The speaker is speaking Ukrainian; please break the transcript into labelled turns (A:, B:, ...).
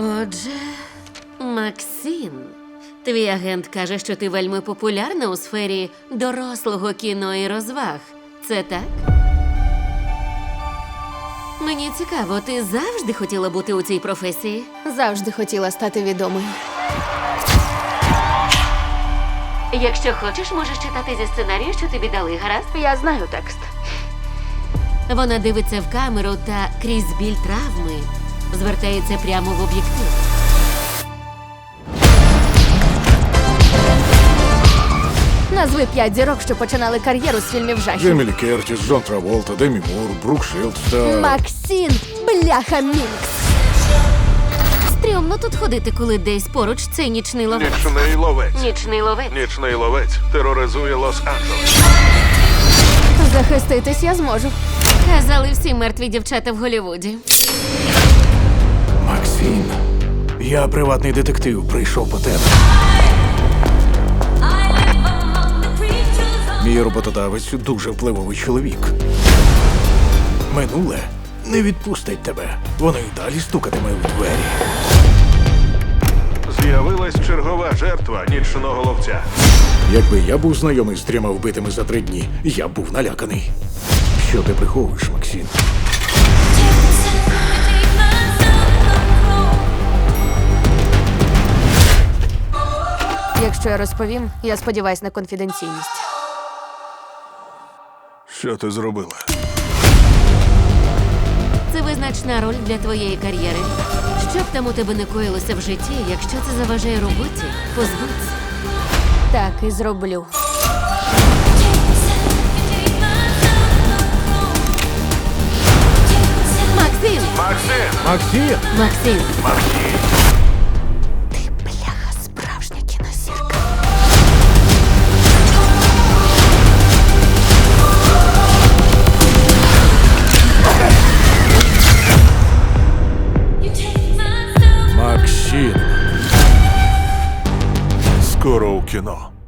A: Отже, Максим, твій агент каже, що ти вельми популярна у сфері дорослого кіно і розваг. Це так? Мені цікаво, ти завжди хотіла бути у цій професії?
B: Завжди хотіла стати відомою.
A: Якщо хочеш, можеш читати зі сценарію, що тобі дали, гаразд?
B: Я знаю текст.
A: Вона дивиться в камеру та крізь біль травми звертається прямо в об'єктив.
B: Назви 5 зірок, що починали кар'єру з фільмів жахів.
C: Джемі Лі Кертіс, Джон Траволта, Демі Мур, Брук Шилдс та...
B: Максим, бляха Мінкс.
A: Стрьомно тут ходити, коли десь поруч цей нічний ловець.
D: Нічний ловець.
A: Нічний ловець.
D: Нічний ловець тероризує Лос-Анджелес.
B: Захиститись я зможу.
A: Казали всі мертві дівчата в Голлівуді.
C: Максим, я приватний детектив, прийшов по тебе. Мій роботодавець дуже впливовий чоловік. Минуле не відпустить тебе. Воно й далі стукатиме у двері.
D: З'явилась чергова жертва нічного ловця.
C: Якби я був знайомий з 3 вбитими за 3 дні, я б був наляканий. Що ти приховуєш, Максим?
B: Якщо я розповім, я сподіваюсь на конфіденційність.
D: Що ти зробила?
A: Це визначна роль для твоєї кар'єри. Що б там у тебе не коїлося в житті, якщо це заважає роботі, позбудься.
B: Так і зроблю.
A: Максим!
D: Максим!
C: Максим!
A: Максим!
D: Максим!
B: Бляха, справжня кінозірка.
C: Максим!
D: Скоро у кіно.